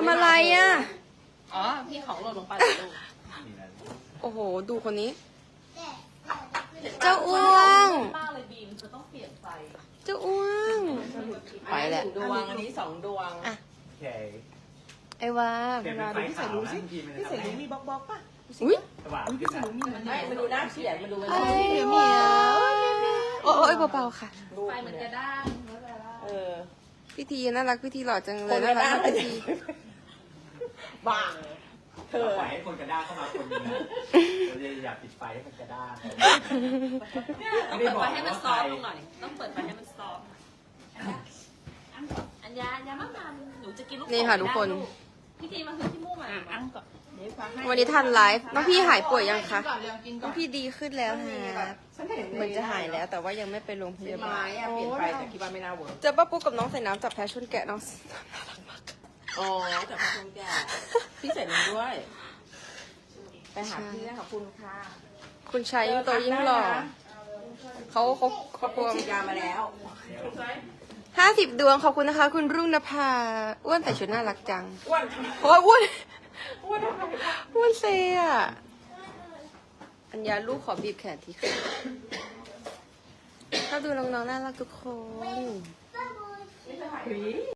ำอะไรอ่ะอ๋อพี่ของหล่นลงไปเลยลูกโอ้โห ดูคนนี้ เจ้าอ้วงมากเลยบีมเธอต้องเปลี่ยนไฟเจ้าอ้วง ไปแหละ 1 ดวงอันนี้2 ดวงอ่ะโอเคไอ้วาเปลี่ยนเป็นไฟขาวนะพี่พี่เสรีมีบล็อกป่ะอุ้ยสว่างขึ้นนะไม่มาดูหน้าเขียนมาดูไอ้เหมียวโอ้ยเบาๆค่ะไฟมันกระด้างเออพิธีน่ารักพิธีหล่อจังเลยน่ารักมากพิธีบ้าเธอปล่อยให้คนกระด้างเข้ามาคนนึงนะเราจะอยากปิดไฟให้มันกระด้างต้องเปิดไฟให้มันซอฟต์ลงหน่อย ต้องเปิดไฟให้มันซอฟต์อัญญามากมันหนูจะกินลูกนี่ค่ะทุกคนพี่ทีมาคือที่มู่มาอังก่อนวันนี้ทันไลฟ์น้องพี่หายป่วยยังคะน้องพี่ดีขึ้นแล้วฮะเหมือนจะหายแล้วแต่ว่ายังไม่ไปโรงพยาบาลเปลี่ยนไฟแต่คิดว่าไม่น่าเวิร์กเจอป้าปุ๊กกับน้องใส่น้ำจับแพ้ชนแกะน้องอ๋อแต่พอคนแก่พี่เสร็จแล้วด้วย ไปหาพี่ขอบคุณค่ะคุณชายยิ่งโตยิ่งหล่อเขากลัวฉีดยามาแล้ว 50 ดวงขอบคุณนะคะ คุณรุ่งนภาอ้วนแต่ชุดน่ารักจังอ้วนโอ้ยอ้วนอ้วนเซ่อะอัญญาลูกขอบีบแขนทีค่ะถ้าดูน้องๆน่ารักทุกคน